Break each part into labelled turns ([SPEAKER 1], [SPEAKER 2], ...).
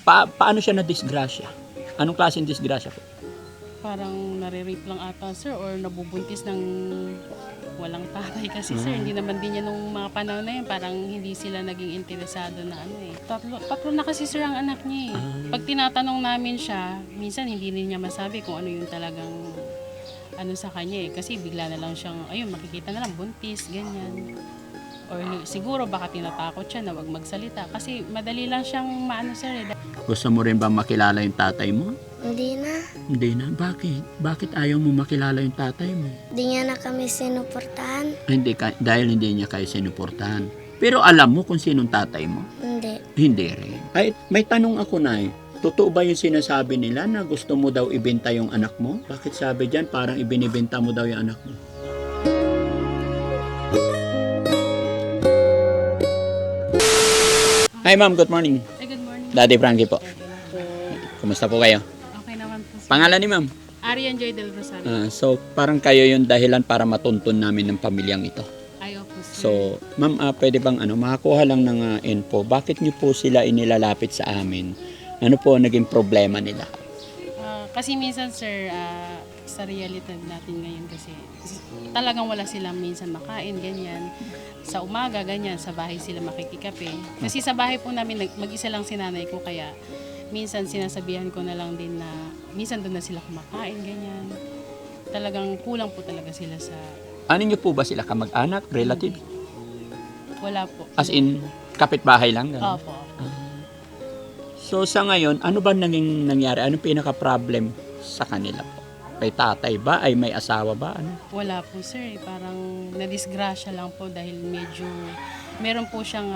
[SPEAKER 1] Paano siya na-disgrasya? Anong klaseng disgrasya po?
[SPEAKER 2] Parang nare-rape lang ata, sir, or nabubuntis ng walang tatay kasi, sir. Hindi naman din yan nung mga panahon na yun. Parang hindi sila naging interesado na ano eh. Tatlo na kasi, sir, ang anak niya eh. Pag tinatanong namin siya, minsan hindi rin niya masabi kung ano yung talagang ano sa kanya eh. Kasi bigla na lang siyang, ayun, makikita na lang, buntis, ganyan. Or siguro baka tinatakot siya na wag magsalita. Kasi madali lang siyang maano, sir eh.
[SPEAKER 1] Gusto mo rin ba makilala yung tatay mo?
[SPEAKER 3] Hindi na.
[SPEAKER 1] Hindi na. Bakit? Bakit ayaw mo makilala yung tatay mo?
[SPEAKER 3] Hindi niya na kami sinuportahan.
[SPEAKER 1] Dahil hindi niya kayo sinuportahan. Pero alam mo kung sinong tatay mo?
[SPEAKER 3] Hindi.
[SPEAKER 1] Hindi rin. Ay, may tanong ako na totoo ba yung sinasabi nila na gusto mo daw ibenta yung anak mo? Bakit sabi dyan parang ibinibenta mo daw yung anak mo? Hi ma'am, good morning.
[SPEAKER 2] Ay, good morning.
[SPEAKER 1] Daddy Frankie po. Kumusta po kayo?
[SPEAKER 2] Okay naman po, sir.
[SPEAKER 1] Pangalan ni ma'am?
[SPEAKER 2] Arian Joy del Rosario.
[SPEAKER 1] So parang kayo yung dahilan para matuntun namin ng pamilyang ito.
[SPEAKER 2] Ayaw po, sir.
[SPEAKER 1] So, ma'am, pwede bang makakuha lang ng info, bakit niyo po sila inilalapit sa amin? Ano po ang naging problema nila?
[SPEAKER 2] Kasi minsan, sir, sa realidad natin ngayon kasi talagang wala silang minsan makain, ganyan. Sa umaga, ganyan, sa bahay sila makikikape. Kasi sa bahay po namin, mag-isa lang si nanay ko, kaya minsan sinasabihan ko na lang din na minsan doon na sila kumakain, ganyan. Talagang kulang po talaga sila sa...
[SPEAKER 1] Ano niyo po ba sila? Kamag-anak? Relative?
[SPEAKER 2] Wala po.
[SPEAKER 1] As in, kapitbahay lang? Ganun?
[SPEAKER 2] Opo.
[SPEAKER 1] So, sa ngayon, ano ba nangyari? Anong pinaka-problem sa kanila po? Kay tatay ba? Ay may asawa ba? Ano?
[SPEAKER 2] Wala po, sir. Parang nadisgrasya lang po dahil medyo meron po siyang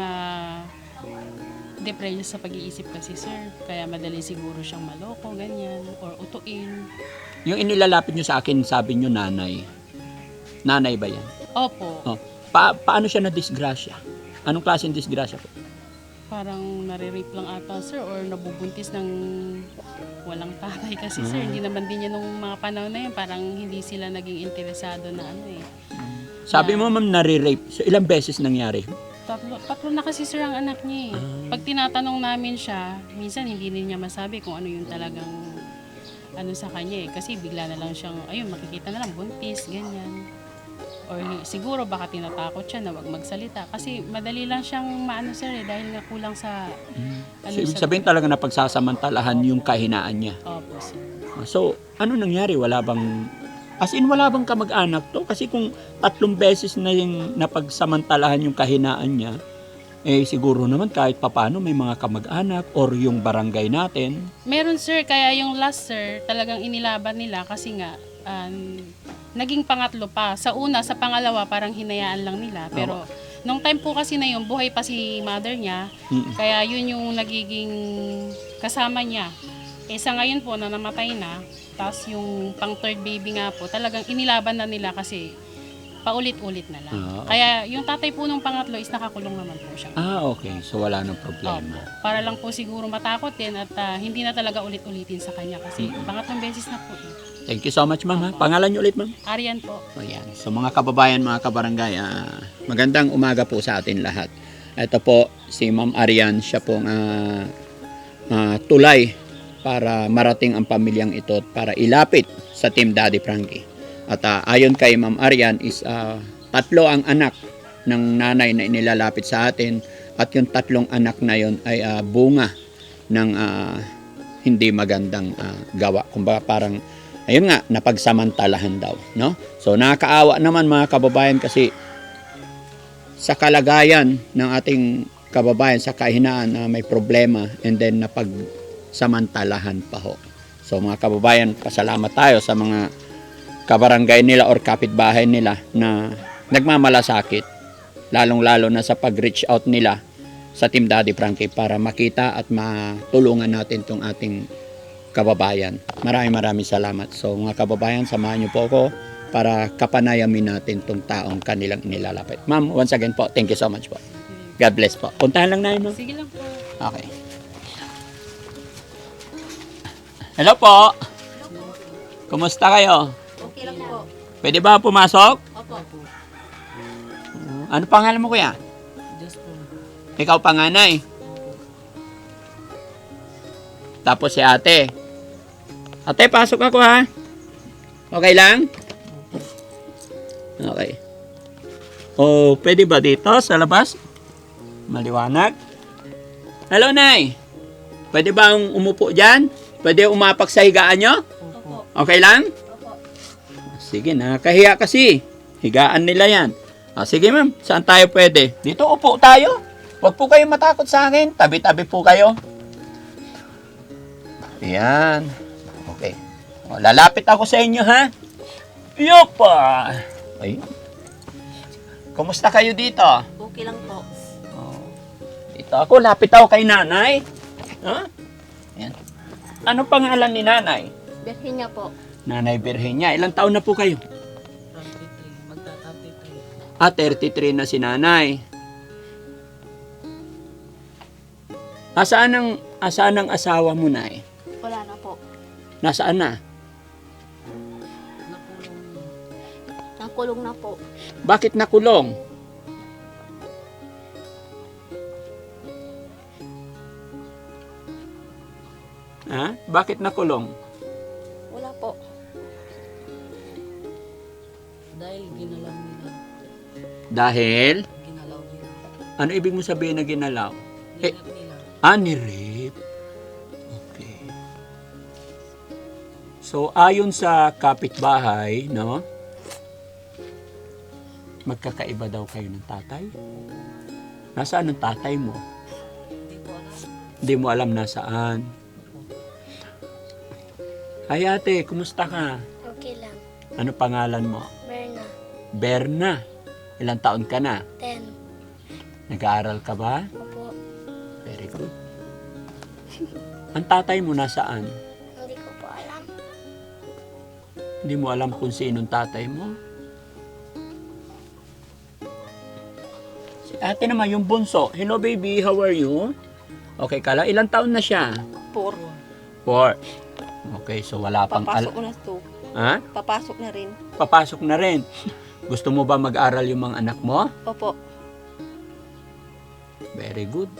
[SPEAKER 2] depression sa pag-iisip kasi, sir. Kaya madali siguro siyang maloko, ganyan, or utuin.
[SPEAKER 1] Yung inilalapit niyo sa akin, sabi niyo nanay. Nanay ba yan?
[SPEAKER 2] Opo.
[SPEAKER 1] Oh. Paano siya na-disgrasya? Anong klaseng disgrasya po?
[SPEAKER 2] Parang nare-rape lang ata, sir, or nabubuntis ng walang tatay kasi, sir. Hindi naman din yan nung mga panahon na yun. Parang hindi sila naging interesado na ano eh.
[SPEAKER 1] Sabi mo, ma'am, nare-rape. So, ilang beses nangyari?
[SPEAKER 2] Tatlo na kasi, sir, ang anak niya eh. Pag tinatanong namin siya, minsan hindi rin niya masabi kung ano yung talagang ano sa kanya eh. Kasi bigla na lang siyang, ayun, makikita na lang, buntis, ganyan. Or siguro baka tinatakot siya na wag magsalita. Kasi madali lang siyang maano, sir eh, dahil nga kulang sa...
[SPEAKER 1] So, ibig sabihin talaga na pagsasamantalahan yung kahinaan niya.
[SPEAKER 2] Opo, sir.
[SPEAKER 1] So, ano nangyari? Wala bang... As in, wala bang kamag-anak to? Kasi kung 3 beses na yung napagsamantalahan yung kahinaan niya, eh siguro naman kahit papano may mga kamag-anak or yung barangay natin.
[SPEAKER 2] Meron, sir, kaya yung last, sir, talagang inilaban nila kasi nga naging pangatlo pa. Sa una, sa pangalawa, parang hinayaan lang nila. Pero nung time po kasi na yun, buhay pa si mother niya. Kaya yun yung nagiging kasama niya. Eh sa ngayon po, na namatay na, tapos yung pang third baby nga po, talagang inilaban na nila kasi paulit-ulit na lang. Kaya yung tatay po nung pangatlo is nakakulong naman po siya.
[SPEAKER 1] Okay. So, wala nang problema.
[SPEAKER 2] Opo. Para lang po siguro matakot din at hindi na talaga ulit-ulitin sa kanya kasi pangatlong beses na po eh.
[SPEAKER 1] Thank you so much, ma'am. Pangalan niyo ulit, ma'am?
[SPEAKER 2] Arian po.
[SPEAKER 1] Ayan. So, mga kababayan, mga kabarangay, magandang umaga po sa atin lahat. Ito po, si Ma'am Arian, siya pong tulay para marating ang pamilyang ito at para ilapit sa Team Daddy Frankie. At ayon kay Ma'am Arian is 3 ang anak ng nanay na inilalapit sa atin at yung 3 anak na yon ay bunga ng hindi magandang gawa. Kumbaga parang ayun nga, napagsamantalahan daw, no? So nakakaawa naman mga kababayan kasi sa kalagayan ng ating kababayan sa kahinaan na may problema and then napagsamantalahan pa ho. So mga kababayan, pasalamat tayo sa mga kabarangay nila or kapitbahay nila na nagmamalasakit, lalong-lalo na sa pag-reach out nila sa Team Daddy Frankie para makita at matulungan natin tong ating kababayan. Maraming salamat. So mga kababayan, samahan niyo po ako para kapanayamin natin tong taong kanilang inilalapit. Ma'am, once again po, thank you so much po. God bless po. Puntahan lang namin, ma'am.
[SPEAKER 2] Sige lang po.
[SPEAKER 1] Okay. Hello po. Kumusta kayo?
[SPEAKER 4] Okay lang po.
[SPEAKER 1] Pwede ba pumasok?
[SPEAKER 4] Opo.
[SPEAKER 1] Ano pangalan mo, kuya?
[SPEAKER 4] Diyos po.
[SPEAKER 1] Ikaw panganay. Tapos si ate. Ate, pasok ako ha. Okay lang? Okay. O, pwede ba dito sa labas? Maliwanag. Hello, Nay. Pwede ba umupo dyan? Pwede umapak sa higaan nyo? Okay lang? Sige, nakakahiya kasi. Higaan nila yan. Sige ma'am, saan tayo pwede? Dito upo tayo. Huwag po kayo matakot sa akin. Tabi-tabi po kayo. Ayan. Okay. O, lalapit ako sa inyo ha. Yopa! Ay. Kumusta kayo dito?
[SPEAKER 4] Okay lang po.
[SPEAKER 1] Dito ako, lapit ako kay nanay. Ha? Ayan. Ano pangalan ni nanay?
[SPEAKER 4] Birhin niya po.
[SPEAKER 1] Nanay Virginia. Ilang taon na po kayo?
[SPEAKER 4] 33. Magta-33.
[SPEAKER 1] 33 na si nanay. Asaan ang asawa mo, nay?
[SPEAKER 4] Wala na po.
[SPEAKER 1] Nasaan na?
[SPEAKER 4] Nakulong na po.
[SPEAKER 1] Bakit nakulong? Ha? Bakit nakulong?
[SPEAKER 4] Wala po.
[SPEAKER 5] Dahil ginalaw nila.
[SPEAKER 1] Dahil?
[SPEAKER 5] Ginalaw nila.
[SPEAKER 1] Ano ibig mo sabihin na ginalaw? Eh,
[SPEAKER 5] Nilap nila.
[SPEAKER 1] Nirip. Okay. So, ayon sa kapitbahay, no? Magkakaiba daw kayo ng tatay? Nasaan ang tatay mo?
[SPEAKER 5] Hindi ko alam.
[SPEAKER 1] Hindi mo alam nasaan. Ay ate, kumusta ka?
[SPEAKER 3] Okay lang.
[SPEAKER 1] Ano pangalan mo?
[SPEAKER 3] Berna.
[SPEAKER 1] Berna. Ilang taon ka na?
[SPEAKER 3] 10.
[SPEAKER 1] Nag-aaral ka ba?
[SPEAKER 3] Opo.
[SPEAKER 1] Very good. Ang tatay mo nasaan?
[SPEAKER 3] Hindi ko po alam.
[SPEAKER 1] Hindi mo alam kung sinong tatay mo? Si ate naman, yung bunso. Hello baby, how are you? Okay ka lang? Ilang taon na siya?
[SPEAKER 4] 4.
[SPEAKER 1] 4. Okay, so wala pang...
[SPEAKER 4] Papasok na to.
[SPEAKER 1] Ha?
[SPEAKER 4] Papasok na rin.
[SPEAKER 1] Papasok na rin. Gusto mo ba mag-aral yung mga anak mo?
[SPEAKER 4] Opo.
[SPEAKER 1] Very good.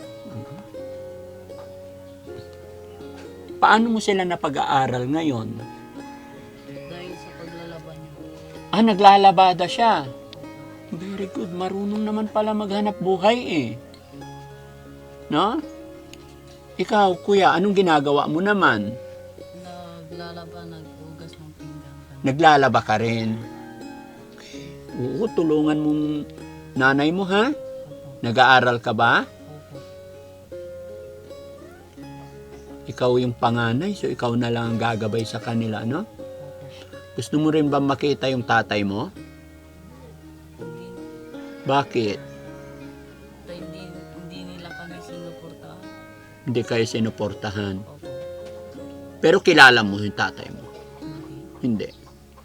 [SPEAKER 1] Paano mo sila napag-aaral ngayon?
[SPEAKER 5] Dahil sa paglalaban niya.
[SPEAKER 1] Naglalabada siya. Very good. Marunong naman pala maghanap buhay eh. No? Ikaw, kuya, anong ginagawa mo naman?
[SPEAKER 5] Naglalaban, naghugas ng pinggan.
[SPEAKER 1] Naglalaba ka rin. Okay. Oo, tulungan mong nanay mo ha?
[SPEAKER 5] Opo.
[SPEAKER 1] Nag-aaral ka ba?
[SPEAKER 5] Opo.
[SPEAKER 1] Ikaw yung panganay, so ikaw na lang ang gagabay sa kanila, no?
[SPEAKER 5] Opo.
[SPEAKER 1] Gusto mo rin ba makita yung tatay mo?
[SPEAKER 5] Hindi,
[SPEAKER 1] Bakit?
[SPEAKER 5] hindi nila kami sinuportahan.
[SPEAKER 1] Hindi kayo sinuportahan.
[SPEAKER 5] Opo.
[SPEAKER 1] Pero kilala mo yung tatay mo?
[SPEAKER 5] Hindi.
[SPEAKER 1] Hindi.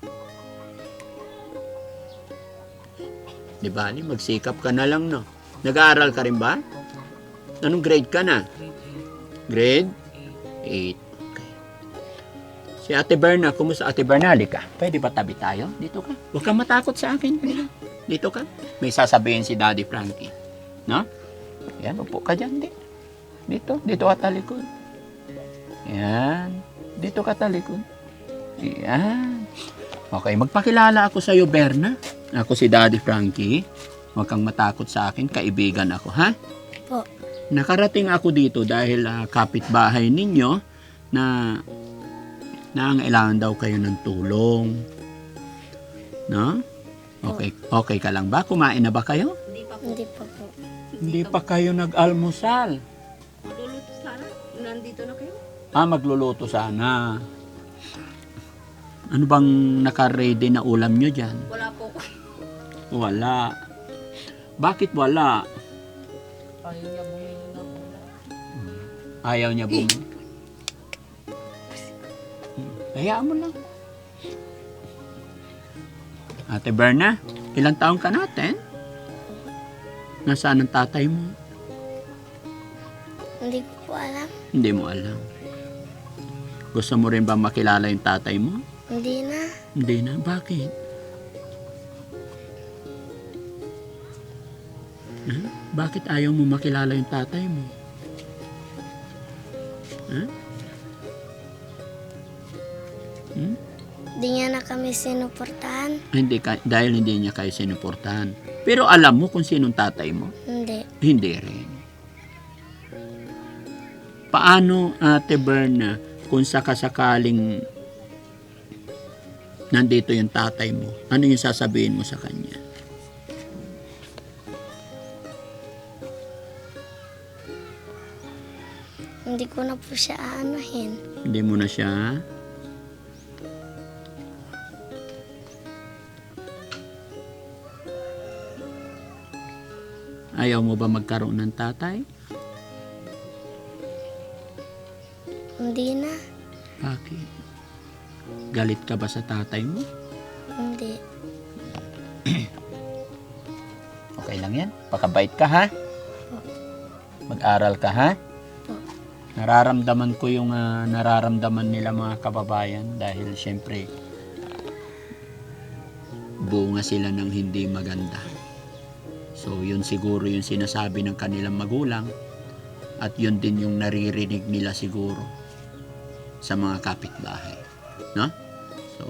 [SPEAKER 1] Di ba? Magsikap ka na lang, no? Nag-aaral ka rin ba?
[SPEAKER 5] Opo.
[SPEAKER 1] Anong grade ka na?
[SPEAKER 5] Grade
[SPEAKER 1] Grade
[SPEAKER 5] 8.
[SPEAKER 1] 8. Okay. Si Ate Berna, kumusta Ate Berna? Halika. Pwede ba tabi tayo? Dito ka. Huwag kang matakot sa akin. Halika. Dito ka. May sasabihin si Daddy Frankie. No? Yan, upo ka dyan. Dito. Dito ka talikod. Yan. Dito ka talikod. Yan. Okay, magpakilala ako sa iyo, Berna. Ako si Daddy Frankie. Huwag kang matakot sa akin. Kaibigan ako, ha?
[SPEAKER 3] Po.
[SPEAKER 1] Nakarating ako dito dahil kapitbahay ninyo na nangailangan daw kayo ng tulong. No? Okay, okay ka lang ba? Kumain na ba kayo?
[SPEAKER 4] Hindi pa po.
[SPEAKER 3] Hindi pa po.
[SPEAKER 1] Hindi pa kayo nag-almusal.
[SPEAKER 4] Maluluto sana. Nandito na kayo.
[SPEAKER 1] Magluluto sana. Ano bang naka-ready na ulam nyo dyan?
[SPEAKER 4] Wala po.
[SPEAKER 1] Wala. Bakit wala?
[SPEAKER 5] Ayaw niya bumili ng ulam.
[SPEAKER 1] Ayaw niya bumili. Hayaan mo lang. Ate Berna, ilang taong ka natin? Nasaan ang tatay mo?
[SPEAKER 3] Hindi ko po alam.
[SPEAKER 1] Hindi mo alam. Gusto mo rin ba makilala yung tatay mo?
[SPEAKER 3] Hindi na.
[SPEAKER 1] Hindi na. Bakit? Ha? Bakit ayaw mo makilala yung tatay mo? Ha? Hmm?
[SPEAKER 3] Di niya na kami sinuportahan.
[SPEAKER 1] Hindi ka, dahil hindi niya kayo sinuportahan. Pero alam mo kung sinong tatay mo?
[SPEAKER 3] Hindi.
[SPEAKER 1] Hindi rin. Paano, Ate Berna, kung sakasakaling nandito yung tatay mo, ano yung sasabihin mo sa kanya?
[SPEAKER 3] Hindi ko na po siya aanuhin.
[SPEAKER 1] Hindi mo na siya? Ayaw mo ba magkaroon ng tatay?
[SPEAKER 3] Hindi na.
[SPEAKER 1] Bakit? Galit ka ba sa tatay mo?
[SPEAKER 3] Hindi.
[SPEAKER 1] Okay lang yan. Pakabait ka, ha? Mag-aral ka, ha? Nararamdaman ko yung nararamdaman nila mga kababayan dahil syempre bunga sila ng hindi maganda. So yun siguro yung sinasabi ng kanilang magulang at yun din yung naririnig nila siguro sa mga kapitbahay. No? So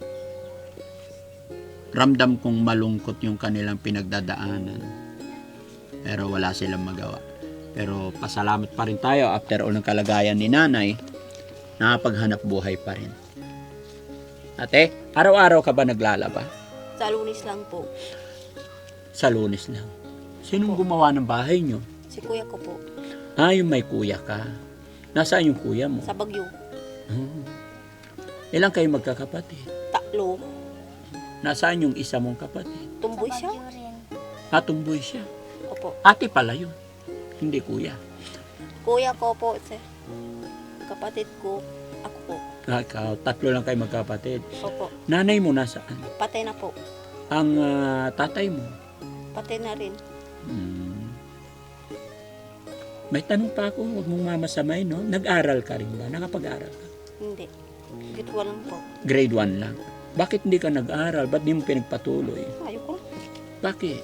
[SPEAKER 1] ramdam kong malungkot yung kanilang pinagdadaanan. Pero wala silang magawa. Pero pasalamat pa rin tayo after all ng kalagayan ni nanay, nakapaghanap buhay pa rin. Ate, araw-araw ka ba naglalaba?
[SPEAKER 4] Sa Lunes lang po.
[SPEAKER 1] Sa Lunes lang. Sinong gumawa ng bahay nyo?
[SPEAKER 4] Si kuya ko po.
[SPEAKER 1] Ah, yung may kuya ka. Nasaan yung kuya mo?
[SPEAKER 4] Sa Bagyo.
[SPEAKER 1] Hmm. Ilang kayo magkakapatid?
[SPEAKER 4] Tatlo.
[SPEAKER 1] Nasaan yung isa mong kapatid?
[SPEAKER 4] Tumboy siya.
[SPEAKER 3] Bagyo rin.
[SPEAKER 1] Tumboy siya.
[SPEAKER 4] Opo.
[SPEAKER 1] Ate pala yun. Hindi kuya.
[SPEAKER 4] Kuya ko po. Kapatid ko. Ako po.
[SPEAKER 1] Ikaw, tatlo lang kayo magkapatid.
[SPEAKER 4] Opo.
[SPEAKER 1] Nanay mo nasaan?
[SPEAKER 4] Patay na po.
[SPEAKER 1] Ang tatay mo?
[SPEAKER 4] Patay na rin.
[SPEAKER 1] Hmm. May tanong pa ako, huwag mong mamasamay, no? Nag-aral ka rin ba? Nakapag-aral ka?
[SPEAKER 4] Hindi. Gitwa lang po.
[SPEAKER 1] Grade 1 lang. Bakit hindi ka nag-aral? Ba't di mo pinagpatuloy?
[SPEAKER 4] Ayoko.
[SPEAKER 1] Bakit?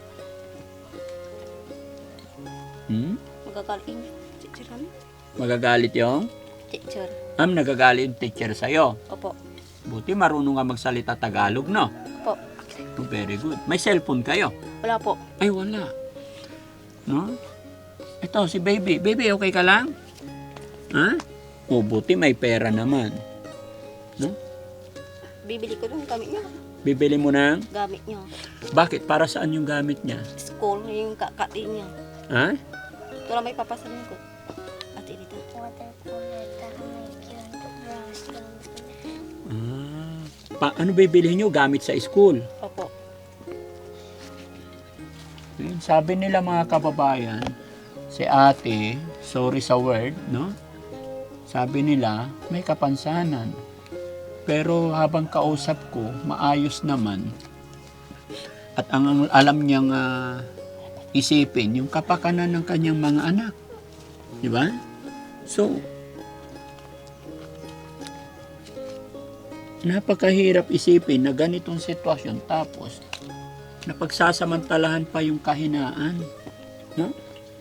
[SPEAKER 1] Hmm?
[SPEAKER 4] Magagaling. Teacher kami.
[SPEAKER 1] Magagalit yung?
[SPEAKER 4] Teacher.
[SPEAKER 1] Nagagalit yung teacher sa'yo.
[SPEAKER 4] Opo.
[SPEAKER 1] Buti marunong ka magsalita Tagalog, no?
[SPEAKER 4] Opo.
[SPEAKER 1] Oh, very good. May cellphone kayo?
[SPEAKER 4] Wala po.
[SPEAKER 1] Ay, wala. No? Ito, si baby. Baby, okay ka lang? Ha? O, buti may pera naman. No?
[SPEAKER 4] Bibili ko yung gamit niya.
[SPEAKER 1] Bibili mo ng?
[SPEAKER 4] Gamit niya.
[SPEAKER 1] Bakit? Para saan yung gamit niya?
[SPEAKER 4] School. Yung kakati niya.
[SPEAKER 1] Ha?
[SPEAKER 4] Ito lang may papasanin ko. Ate dito.
[SPEAKER 3] Water cooler, tahamay, yun, brush, gamit.
[SPEAKER 1] Ano bibili nyo? Gamit sa school.
[SPEAKER 4] Opo.
[SPEAKER 1] Yun, sabi nila mga kababayan, si ate, sorry sa word, no? Sabi nila, may kapansanan. Pero habang kausap ko, maayos naman. At ang alam niyang isipin, yung kapakanan ng kanyang mga anak. Di ba? So, napakahirap isipin na ganitong sitwasyon tapos napagsasamantalahan pa yung kahinaan. No?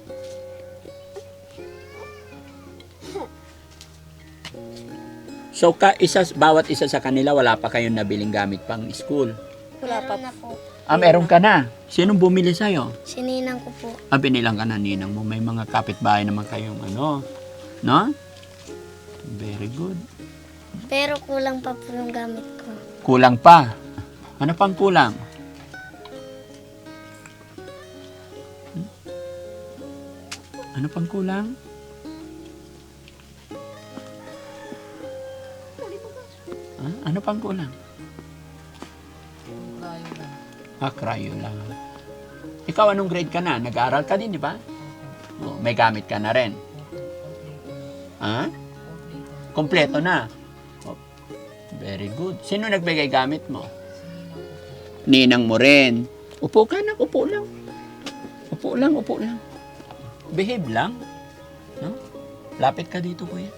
[SPEAKER 1] So, bawat isa sa kanila, wala pa kayong nabiling gamit pang school.
[SPEAKER 4] Wala pa.
[SPEAKER 3] Meron na po.
[SPEAKER 1] Meron ka na. Sinong bumili sa'yo?
[SPEAKER 3] Sininang ko po.
[SPEAKER 1] Binilang ka na ninang mo. May mga kapitbahay naman kayong ano. No? Very good.
[SPEAKER 3] Pero kulang pa po yung gamit ko.
[SPEAKER 1] Kulang pa. Ano pang kulang? Ano pang kulang? Ano pang kulang?
[SPEAKER 5] Kayo lang.
[SPEAKER 1] Cryo lang. Ikaw anong grade ka na? Nag-aaral ka din, di ba? Oh, may gamit ka na rin. Ha? Kompleto na. Oh, very good. Sino nagbigay gamit mo? Ninang mo rin. Upo ka na, upo lang. Upo lang, upo lang. Behave lang. No? Lapit ka dito, kuya.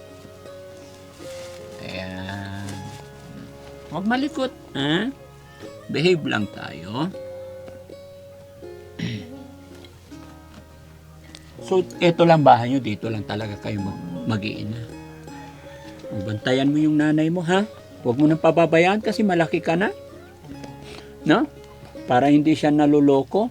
[SPEAKER 1] Ayan. Huwag malikot. Ha? Behave lang tayo. So, eto lang bahay nyo. Dito lang talaga kayo mag-iina. Bantayan mo yung nanay mo, ha? Huwag mo nang pababayaan kasi malaki ka na. No? Para hindi siya naluloko.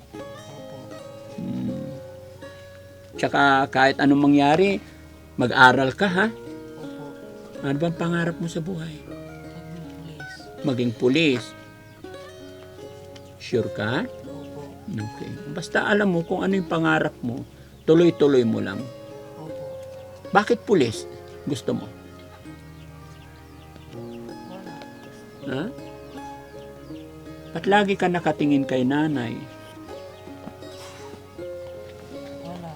[SPEAKER 1] Tsaka kahit anong mangyari, mag-aral ka ha.
[SPEAKER 5] Opo.
[SPEAKER 1] Ano bang pangarap mo sa buhay?
[SPEAKER 5] Maging pulis.
[SPEAKER 1] Maging pulis. Sure ka?
[SPEAKER 5] Opo.
[SPEAKER 1] Okay. Basta alam mo kung ano yung pangarap mo, tuloy-tuloy mo lang.
[SPEAKER 5] Opo.
[SPEAKER 1] Bakit pulis? Gusto mo?
[SPEAKER 5] Wala.
[SPEAKER 1] Ha? Ba't lagi ka nakatingin kay nanay?
[SPEAKER 5] Wala.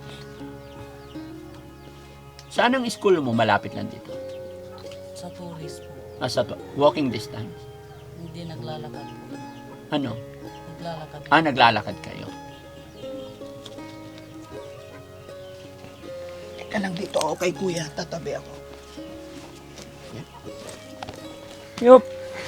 [SPEAKER 1] Saan ang school mo? Malapit lang dito.
[SPEAKER 5] Sa tourist po.
[SPEAKER 1] Walking distance.
[SPEAKER 5] Hindi naglalakad po.
[SPEAKER 1] Ano?
[SPEAKER 5] Naglalakad.
[SPEAKER 1] Naglalakad kayo. Teka lang dito ako kay kuya. Tatabi ako. Yan. Yup.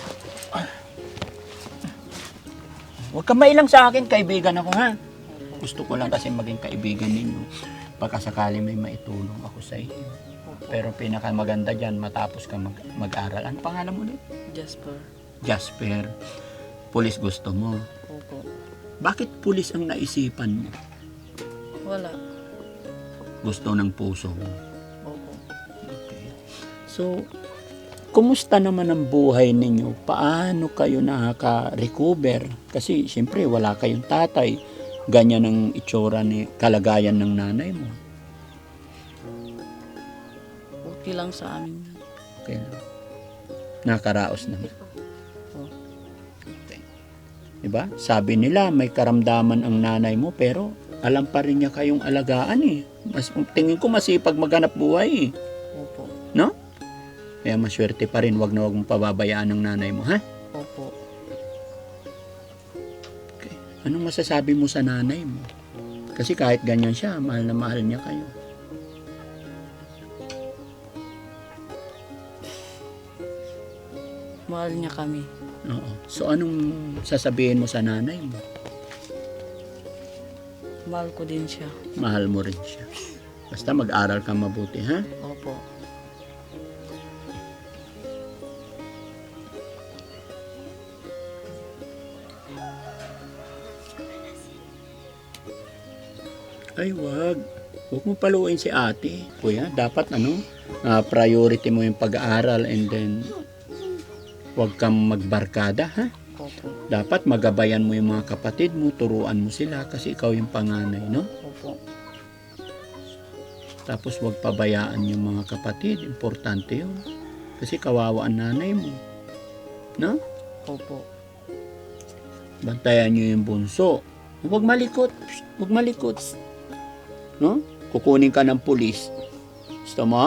[SPEAKER 1] Huwag ka mailang sa akin. Kaibigan ako ha. Gusto ko lang kasi maging kaibigan ninyo. Pagkasakali may maitulong ako sa inyo. Pero pinakamaganda dyan, matapos ka mag-aral. Ano pangalan mo ulit?
[SPEAKER 5] Jasper.
[SPEAKER 1] Jasper. Pulis gusto mo.
[SPEAKER 5] Opo.
[SPEAKER 1] Bakit pulis ang naisipan mo?
[SPEAKER 5] Wala.
[SPEAKER 1] Gusto ng puso mo.
[SPEAKER 5] Opo.
[SPEAKER 1] Okay. So, kumusta naman ang buhay ninyo? Paano kayo nakaka-recover? Kasi, siyempre, wala kayong tatay. Ganyan ang itsura ni kalagayan ng nanay mo.
[SPEAKER 5] Okay lang sa amin.
[SPEAKER 1] Okay lang. Nakaraos naman.
[SPEAKER 5] Oo.
[SPEAKER 1] Okay. Diba? Sabi nila, may karamdaman ang nanay mo, pero alam pa rin niya kayong alagaan eh. Tingin ko masipag maghanap buhay eh.
[SPEAKER 5] Opo.
[SPEAKER 1] No? Kaya maswerte pa rin, wag na wag mong pababayaan ng nanay mo, ha?
[SPEAKER 5] Opo.
[SPEAKER 1] Okay. Anong masasabi mo sa nanay mo? Kasi kahit ganyan siya, mahal na mahal niya kayo.
[SPEAKER 5] Mahal niya kami.
[SPEAKER 1] Oo. So anong sasabihin mo sa nanay mo?
[SPEAKER 5] Mahal ko din siya.
[SPEAKER 1] Mahal mo rin siya. Basta mag-aral ka mabuti, ha?
[SPEAKER 5] Opo.
[SPEAKER 1] Ay, wag. Huwag mo paluin si ate. Kuya, dapat priority mo yung pag-aaral and then wag kang magbarkada, ha?
[SPEAKER 5] Opo.
[SPEAKER 1] Dapat magabayan mo yung mga kapatid mo, turuan mo sila kasi ikaw yung panganay, no?
[SPEAKER 5] Opo.
[SPEAKER 1] Tapos wag pabayaan yung mga kapatid. Importante yun. Kasi kawawa ang nanay mo. No?
[SPEAKER 5] Opo.
[SPEAKER 1] Bantayan nyo yung bunso. Huwag malikot. Huwag malikot. No? Kukunin ka ng pulis. Gusto mo?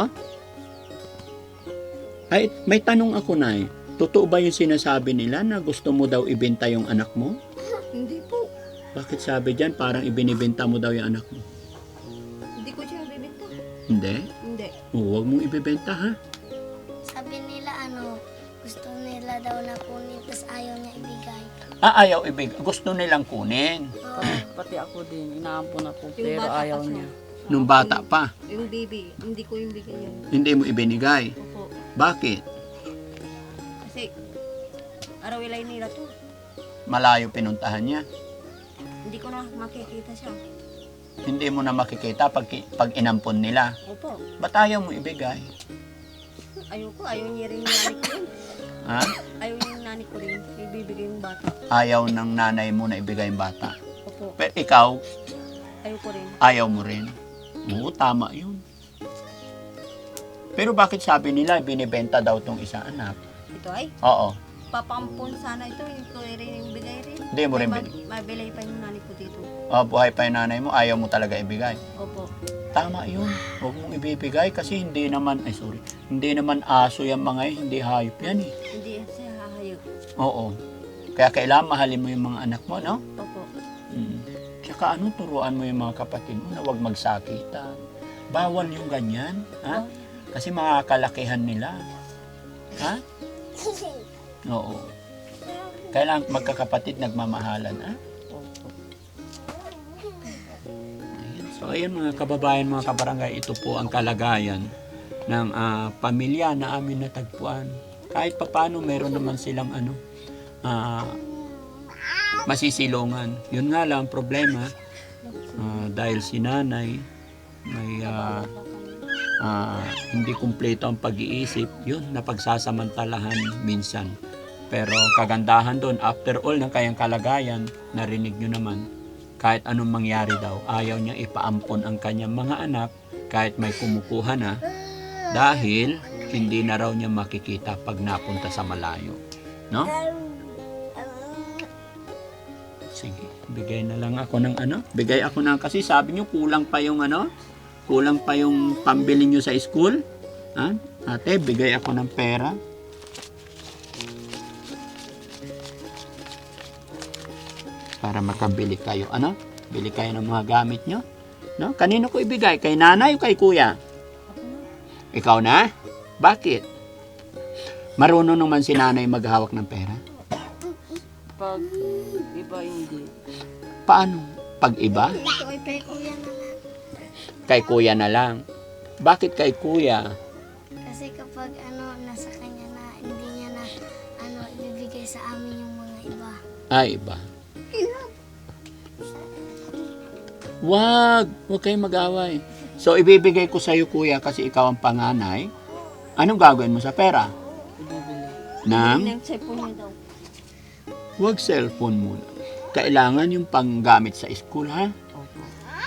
[SPEAKER 1] Ay, may tanong ako na eh. Totoo ba yung sinasabi nila na gusto mo daw ibenta yung anak mo?
[SPEAKER 4] Hindi po.
[SPEAKER 1] Bakit sabi dyan parang ibinibenta mo daw yung anak mo?
[SPEAKER 4] Hindi ko siya bibenta.
[SPEAKER 1] Hindi?
[SPEAKER 4] Hindi.
[SPEAKER 1] Huwag mong ibibenta ha?
[SPEAKER 3] Sabi nila gusto nila daw na kunin, tapos ayaw niya ibigay.
[SPEAKER 1] Ayaw ibigay. Gusto nilang kunin.
[SPEAKER 3] Oo.
[SPEAKER 5] Pati ako din. Inaampon ako.
[SPEAKER 4] Yung
[SPEAKER 5] Pero
[SPEAKER 4] bata
[SPEAKER 5] ayaw
[SPEAKER 4] pa siya.
[SPEAKER 5] niya.
[SPEAKER 1] Nung bata pa,
[SPEAKER 4] Yung baby, hindi ko yung bigay yun.
[SPEAKER 1] hindi mo ibinigay.
[SPEAKER 4] Opo.
[SPEAKER 1] Bakit?
[SPEAKER 4] Kasi, arawilay nila to.
[SPEAKER 1] Malayo pinuntahan niya.
[SPEAKER 4] Hindi ko na makikita siya.
[SPEAKER 1] Hindi mo na makikita pag inampon nila.
[SPEAKER 4] Opo.
[SPEAKER 1] Ba't ayaw mo ibigay?
[SPEAKER 4] Ayoko, ayaw niya rin yung nani ko rin.
[SPEAKER 1] Ha?
[SPEAKER 4] Ayaw yung nani ko rin. Ibibigay yung bata.
[SPEAKER 1] Ayaw ng nanay mo na ibigay yung bata.
[SPEAKER 4] Opo.
[SPEAKER 1] Pero ikaw,
[SPEAKER 4] Ayoko rin.
[SPEAKER 1] ayaw mo rin. Oo, tama yun. Pero bakit sabi nila binibenta daw tong isang anak?
[SPEAKER 4] Ito ay,
[SPEAKER 1] Oo.
[SPEAKER 4] papampun sana ito. Hindi ko rin yung bigay rin.
[SPEAKER 1] Hindi mo rin
[SPEAKER 4] May
[SPEAKER 1] bigay.
[SPEAKER 4] mabilay pa yung nani ko dito.
[SPEAKER 1] Buhay pa yung nanay mo, ayaw mo talaga ibigay.
[SPEAKER 4] Opo.
[SPEAKER 1] Tama yun. Huwag mong ibibigay kasi hindi naman aso yung mga yun, hindi hayop yan eh.
[SPEAKER 4] Hindi siya hahayag.
[SPEAKER 1] Oo. Kaya kailangan mahalin mo yung mga anak mo, no?
[SPEAKER 4] Opo.
[SPEAKER 1] Tsaka turuan mo yung mga kapatid mo na huwag magsakitan. Bawal yung ganyan, ha? Kasi makakalakihan nila. Ha? Oo. Kailangan magkakapatid nagmamahalan, ha?
[SPEAKER 5] Opo.
[SPEAKER 1] So ayun mga kababayan, mga kabarangay, ito po ang kalagayan ng pamilya na amin natagpuan. kahit papaano meron naman silang masisilungan. Yun nga lang problema, dahil si nanay may hindi kumpleto ang pag-iisip, yun napagsasamantalahan minsan. Pero kagandahan doon, after all ng kayang kalagayan, narinig nyo naman, kahit anong mangyari daw, ayaw niya ipaampon ang kanyang mga anak kahit may kumukuha na, dahil hindi na raw niya makikita pag napunta sa malayo. No? Sige, bigay na lang ako ng bigay ako ng, kasi sabi niyo kulang pa yung kulang pa yung pambili niyo sa school. Ha? Ate, bigay ako ng pera. Para makabili kayo. Bili kayo ng mga gamit nyo. No? Kanino ko ibigay? Kay nanay o kay kuya? Ikaw na? Bakit? Marunong naman si nanay maghawak ng pera?
[SPEAKER 5] Pag iba hindi.
[SPEAKER 1] Paano? Pag iba?
[SPEAKER 3] Ito ay kay kuya na lang.
[SPEAKER 1] Kay kuya na lang. Bakit kay kuya?
[SPEAKER 3] Kasi kapag nasa kanya na, hindi niya na ibibigay sa amin yung mga iba.
[SPEAKER 1] Ay, iba. Wag kayong mag-away. So, ibibigay ko sa'yo, kuya, kasi ikaw ang panganay. Anong gagawin mo sa pera?
[SPEAKER 5] Ibibili.
[SPEAKER 1] Nang?
[SPEAKER 4] Yung cellphone niya daw.
[SPEAKER 1] Wag cellphone muna. Kailangan yung panggamit sa school, ha?
[SPEAKER 5] Opo.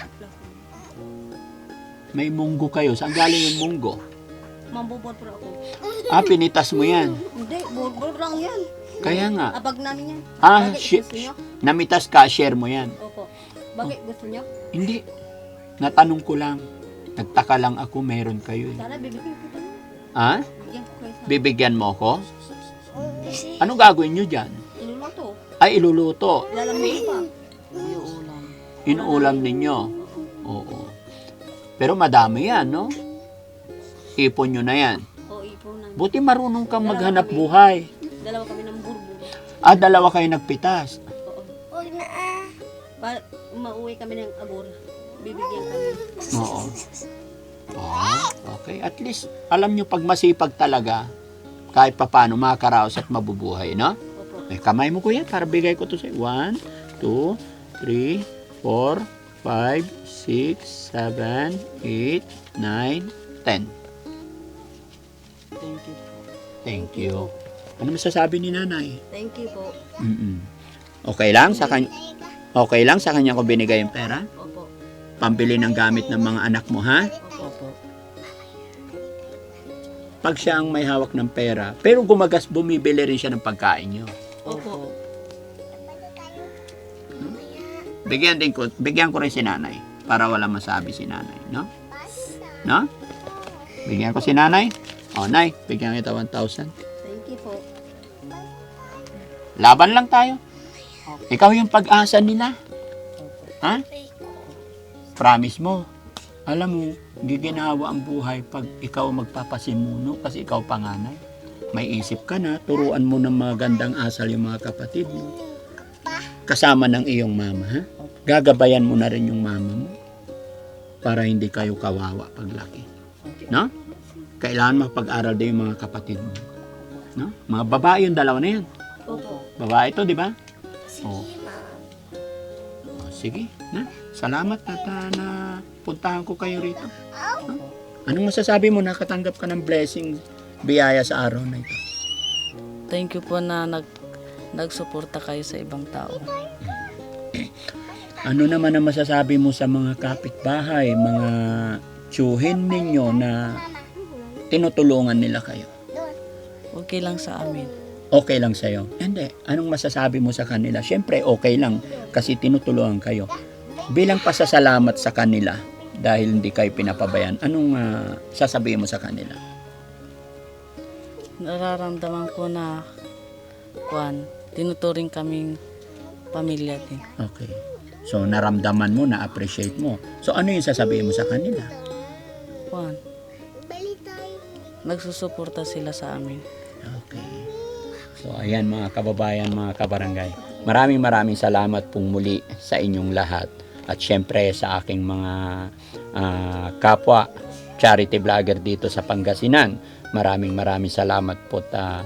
[SPEAKER 1] May munggo kayo. Saan galing yung munggo?
[SPEAKER 4] Mambubol po ako.
[SPEAKER 1] Pinitas mo yan.
[SPEAKER 4] Hindi, bulbul lang yan.
[SPEAKER 1] Kaya nga.
[SPEAKER 4] Abag namin yan.
[SPEAKER 1] Ah,
[SPEAKER 4] Bakit gusto niyo?
[SPEAKER 1] namitas ka, share mo yan.
[SPEAKER 4] Opo. Bakit gusto niyo?
[SPEAKER 1] Hindi. Natanong ko lang. Nagtaka lang ako, meron kayo.
[SPEAKER 4] Sana bibigyan ko tayo.
[SPEAKER 1] Ha?
[SPEAKER 4] Bigyan ko kayo sa
[SPEAKER 1] Bibigyan mo ko?
[SPEAKER 3] Kasi
[SPEAKER 1] Anong gagawin nyo dyan?
[SPEAKER 4] iluluto.
[SPEAKER 1] Ay, iluluto.
[SPEAKER 4] Ilalamig pa.
[SPEAKER 5] Yung ulam.
[SPEAKER 1] Inuulam ninyo. Oo. Pero madami yan, no? Ipon nyo na yan.
[SPEAKER 4] O ipunan.
[SPEAKER 1] Buti marunong kang maghanap buhay.
[SPEAKER 4] Dalawa kami ng bulbul.
[SPEAKER 1] Dalawa kayo nagpitas.
[SPEAKER 4] Oo.
[SPEAKER 3] huwag na
[SPEAKER 4] Para mauwi kami ng abor. Bibigyan kami.
[SPEAKER 1] Oo. Okay. At least, alam nyo, pag masipag talaga, kahit papano makakaraos at mabubuhay, no?
[SPEAKER 4] Opo.
[SPEAKER 1] Kamay mo, kuya, para bigay ko to sa'yo. 1, 2, 3, 4, 5, 6, 7, 8, 9, 10.
[SPEAKER 5] Thank you.
[SPEAKER 1] Thank you. Ano masasabi ni nanay?
[SPEAKER 4] Thank you po.
[SPEAKER 1] Okay lang sa kanya? Okay lang sa kanya ko binigay yung pera?
[SPEAKER 4] Opo.
[SPEAKER 1] Pambili ng gamit ng mga anak mo, ha?
[SPEAKER 5] Opo.
[SPEAKER 1] Pag siya ang may hawak ng pera, pero bumibili rin siya ng pagkain nyo.
[SPEAKER 4] Opo.
[SPEAKER 1] Bigyan ko rin si nanay para wala masabi si nanay, no? No? Bigyan ko si nanay. Nay, bigyan kita 1,000.
[SPEAKER 4] Thank you po.
[SPEAKER 1] Laban lang tayo. Ikaw yung pag-asa nila. Ha? Promise mo. Alam mo, giginawa ang buhay pag ikaw magpapasimuno kasi ikaw panganay. May isip ka na, turuan mo ng mga gandang asal yung mga kapatid mo. Kasama ng iyong mama, ha? Gagabayan mo na rin yung mama mo para hindi kayo kawawa paglaki. No? Kailangan mapag-aral din yung mga kapatid mo. No? Mga babae yung dalawa na yan.
[SPEAKER 4] Opo.
[SPEAKER 1] Babae to, di ba?
[SPEAKER 3] sige,
[SPEAKER 1] Oo.
[SPEAKER 3] ma'am.
[SPEAKER 1] Sige, na. Salamat at na puntahan ko kayo rito. No? Anong masasabi mo? Nakatanggap ka ng blessing, biyaya sa araw na ito.
[SPEAKER 5] Thank you po na nagsuporta kayo sa ibang tao.
[SPEAKER 1] Ano naman ang masasabi mo sa mga kapitbahay, mga tiyuhin ninyo na tinutulungan nila kayo?
[SPEAKER 5] Okay lang sa amin.
[SPEAKER 1] Okay lang sa'yo? Hindi. Anong masasabi mo sa kanila? Siyempre, okay lang kasi tinutulungan kayo. Bilang pasasalamat sa kanila dahil hindi kayo pinapabayan, anong sasabihin mo sa kanila?
[SPEAKER 5] Nararamdaman ko na tinuturing kaming pamilya din.
[SPEAKER 1] Okay. So, naramdaman mo, na-appreciate mo. So, ano yung sasabihin mo sa kanila?
[SPEAKER 5] Nagsusuporta sila sa amin.
[SPEAKER 1] Okay. So, ayan mga kababayan, mga kabarangay. Maraming salamat pong muli sa inyong lahat. At syempre sa aking mga kapwa charity vlogger dito sa Pangasinan. maraming salamat po.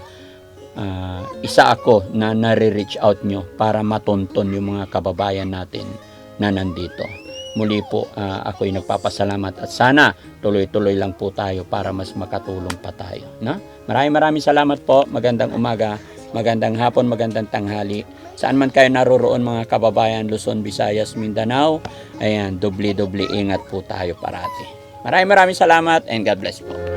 [SPEAKER 1] Isa ako na nare-reach out nyo para matunton yung mga kababayan natin na nandito. Muli po, ako'y nagpapasalamat at sana tuloy-tuloy lang po tayo para mas makatulong pa tayo. No? Maraming salamat po. Magandang umaga, magandang hapon, magandang tanghali. Saan man kayo naroroon mga kababayan, Luzon, Visayas, Mindanao, ayan, doble ingat po tayo parati. Maraming salamat and God bless po.